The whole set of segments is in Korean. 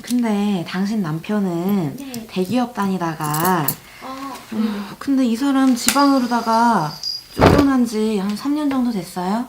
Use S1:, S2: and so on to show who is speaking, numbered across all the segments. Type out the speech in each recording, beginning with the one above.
S1: 근데 당신 남편은
S2: 네.
S1: 대기업 다니다가
S2: 네.
S1: 근데 이 사람 지방으로다가 쫓겨난 지 한 3년 정도 됐어요?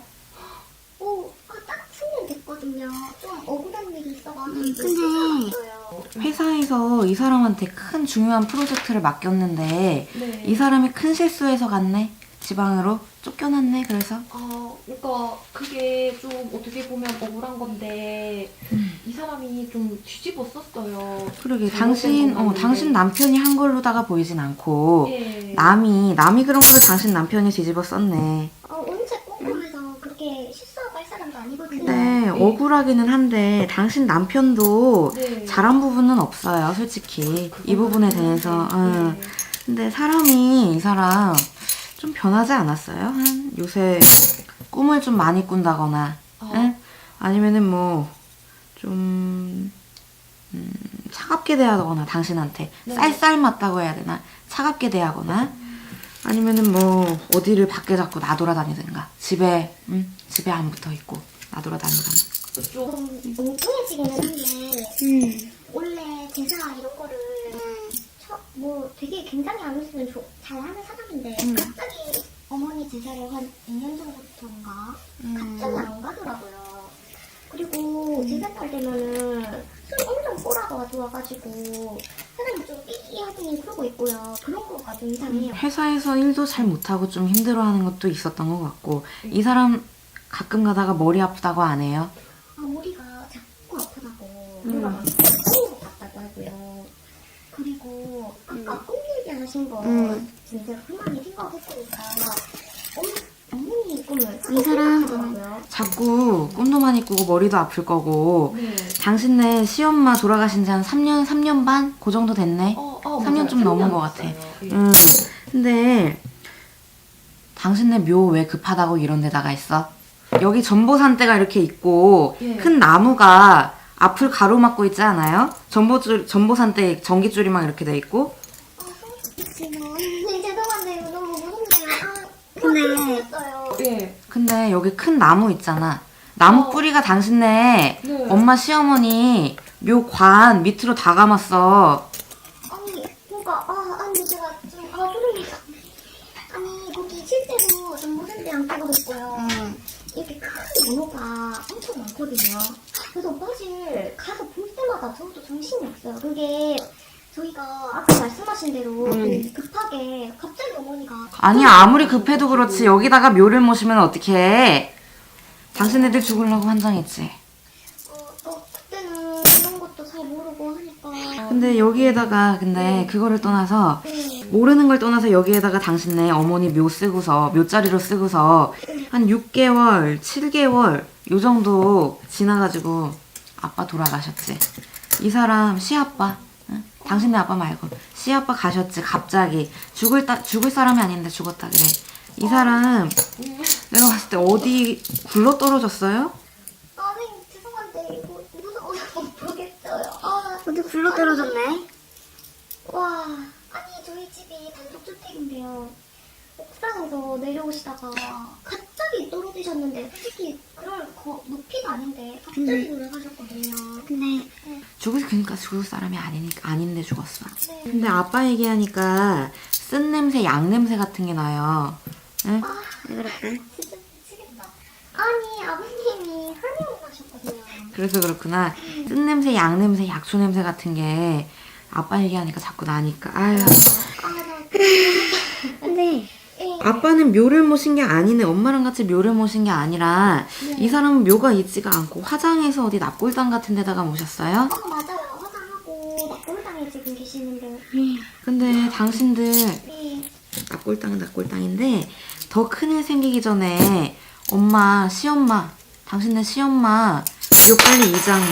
S3: 딱 10년 됐거든요. 좀 억울한 일이 있어가지고.
S2: 근데
S1: 회사에서 이 사람한테 큰 중요한 프로젝트를 맡겼는데
S2: 네.
S1: 이 사람이 큰 실수해서 갔네? 지방으로? 쫓겨났네 그래서?
S2: 그러니까 그게 좀 어떻게 보면 억울한 건데 이 사람이 좀 뒤집었었어요.
S1: 그러게
S2: 잘못된 건 맞는데.
S1: 당신 남편이 한 걸로다가 보이진 않고
S2: 예.
S1: 남이 그런 거를 당신 남편이 뒤집어 썼네.
S3: 언제 꼼꼼해서 그렇게 실수하고 할 사람도 아니거든요.
S1: 근데 억울하기는 한데 당신 남편도
S2: 네.
S1: 잘한 부분은 없어요 솔직히 이 부분에 대해서.
S2: 네.
S1: 근데 사람이 이 사람 좀 변하지 않았어요? 요새 꿈을 좀 많이 꾼다거나 응? 아니면은 뭐 좀 차갑게 대하거나 당신한테
S2: 네.
S1: 쌀쌀 맞다고 해야 되나? 차갑게 대하거나 아니면은 뭐 어디를 밖에 자꾸 나돌아다니든가 집에 안 붙어 있고 나돌아다니거나.
S3: 좀 엉뚱해지기는 한데 원래 제사 이런 거를 뭐 되게 굉장히 안 했으면 잘하는 사람인데 갑자기 어머니 제사를 한 2년 전부터인가 갑자기 안 가더라고요. 그리고 제사날 되면은 술 엄청 꼬라가 가져와가지고 사람이 좀 삐삐하더니 그러고 있고요. 그런 거가 좀 이상해요.
S1: 회사에서 일도 잘 못하고 좀 힘들어하는 것도 있었던 것 같고 이 사람 가끔 가다가 머리 아프다고 안 해요?
S3: 머리가 자꾸 아프다고 그러면 꼭 같다고 하고요. 그리고 아까 꿈 얘기하신 거 진짜 그만히 생각했으니까 어머니 꿈을 이 사람
S1: 자꾸 꿈도 많이 꾸고 머리도 아플 거고
S2: 네.
S1: 당신네 시엄마 돌아가신 지 한 3년 반? 그 정도 됐네? 3년 좀 넘은 것 같아. 근데 당신네 묘 왜 급하다고 이런 데다가 있어? 여기 전보산대가 이렇게 있고
S2: 예.
S1: 큰 나무가 앞을 가로막고 있지 않아요? 전보산대 전깃줄이 막 이렇게 돼 있고
S3: 죄송한데 너무 무섭네요. 근데
S2: 예.
S1: 근데 여기 큰 나무 있잖아. 나무 뿌리가 당신네
S2: 네.
S1: 엄마 시어머니 묘 관 밑으로 다 감았어.
S3: 아니 그러니까 아니 제가 좀 소름이 아니 거기 실제로 전부산대 양쪽으로 있고요. 이렇게 큰 나무가 엄청 많거든요. 그래서 사실 가서 볼 때마다 저도 정신이 없어요. 그게 저희가 아까 말씀하신 대로 급하게 갑자기 어머니가
S1: 아니 아무리 급해도 그렇지 여기다가 묘를 모시면 어떡해. 당신네들 죽으려고 환장했지.
S3: 그때는 이런 것도 잘 모르고 하니까
S1: 근데 여기에다가 근데 그거를 떠나서 모르는 걸 떠나서 여기에다가 당신네 어머니 묘 쓰고서 묘자리로 쓰고서 한 6개월, 7개월 요 정도 지나가지고 아빠 돌아가셨지. 이 사람 시아빠, 응? 당신네 아빠 말고 시아빠 가셨지. 갑자기 죽을 사람이 아닌데 죽었다 그래. 이 사람 내가 봤을 때 어디 굴러 떨어졌어요?
S3: 아니 죄송한데 이거 무서워서 못 보겠어요.
S4: 어디 굴러 떨어졌네?
S3: 와 아니 저희 집이 단독주택인데요. 옥상에서 내려오시다가 갑자기 떨어지셨는데 솔직히 그럴 높이가 아닌데 갑자기 돌아가셨거든요.
S4: 근데
S1: 그러니까 죽을 사람이 아닌데 죽었어.
S3: 네.
S1: 근데 아빠 얘기하니까 쓴 냄새, 양 냄새 같은 게 나요. 응?
S4: 왜 그랬대?
S3: 진짜 미치겠다. 아니 아버님이 한의원 가셨거든요.
S1: 그래서 그렇구나. 쓴 냄새, 양 냄새, 약초 냄새 같은 게 아빠 얘기하니까 자꾸 나니까. 아유.
S4: 근데
S1: 아빠는 묘를 모신 게 아니네. 엄마랑 같이 묘를 모신 게 아니라 이 사람은 묘가 있지가 않고 화장해서 어디 납골당 같은 데다가 모셨어요?
S3: 맞아요. 화장하고 낙골당에 지금 계시는데.
S1: 근데 당신들
S3: 네.
S1: 납골당은 납골당인데 더 큰일 생기기 전에 엄마, 시엄마, 당신네 시엄마 묘 빨리 이장해.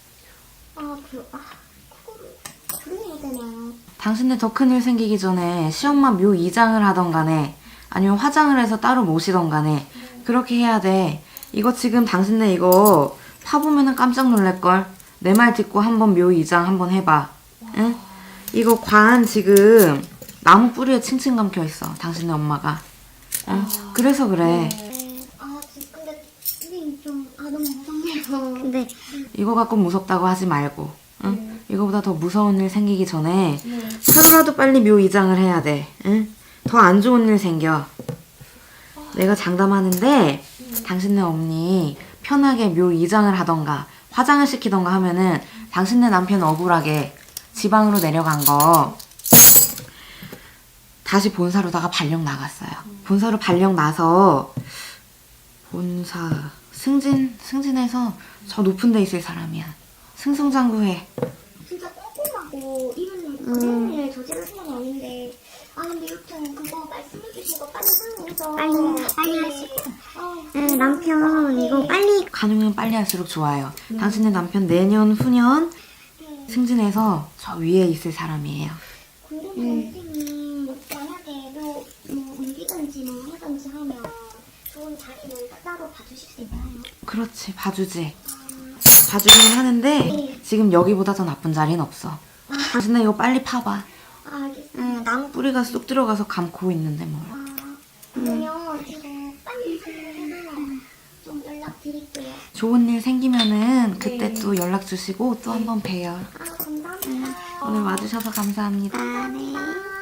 S3: 그거를 그래야 되나요?
S1: 당신네 더 큰일 생기기 전에 시엄마 묘 이장을 하던 간에 아니면 화장을 해서 따로 모시던 간에 그렇게 해야 돼. 이거 지금 당신네 이거 파보면은 깜짝 놀랄걸. 내 말 듣고 한번 묘 이장 한번 해봐. 응? 이거 관 지금 나무 뿌리에 칭칭 감겨 있어. 당신네 엄마가. 응? 그래서 그래.
S3: 근데 선생님 좀 너무 무섭네요.
S4: 근데
S1: 이거 갖고 무섭다고 하지 말고. 응? 이거보다 더 무서운 일 생기기 전에
S2: 네.
S1: 하루라도 빨리 묘 이장을 해야 돼. 응? 더 안 좋은 일 생겨. 내가 장담하는데 당신네 어머니 편하게 묘 이장을 하던가 화장을 시키던가 하면은 당신네 남편 억울하게 지방으로 내려간 거 다시 본사로다가 발령 나갔어요. 본사로 발령 나서 본사 승진해서 저 높은 데 있을 사람이야. 승승장구해.
S3: 진짜 꼼꼼하고 이런 그런 일 저지를 사람이 아닌데 근데 여튼 그거 말씀해 주신 거 빨리 사용해서
S4: 빨리
S3: 하시고
S4: 남편 이거 빨리
S1: 가능하면 빨리 할수록 좋아요. 당신의 남편 내년 후년 승진해서 저 위에 있을 사람이에요.
S3: 궁금한 선생님 만약에 옮기든지 뭐 하든지 하면 좋은 자리를 따로 봐주실 수 있나요?
S1: 그렇지, 봐주지. 봐주긴 하는데 지금 여기보다 더 나쁜 자리는 없어. 당신은 이거 빨리 파봐.
S3: 알겠습니다.
S1: 나무 뿌리가 쏙 들어가서 감고 있는데 뭘.
S3: 그러면 이거 빨리 해서 좀 연락드릴게요.
S1: 좋은 일 생기면은 그때 또 연락 주시고 또 한번 봬요.
S3: 감사합니다.
S1: 오늘 와주셔서 감사합니다.
S3: 감사합니다.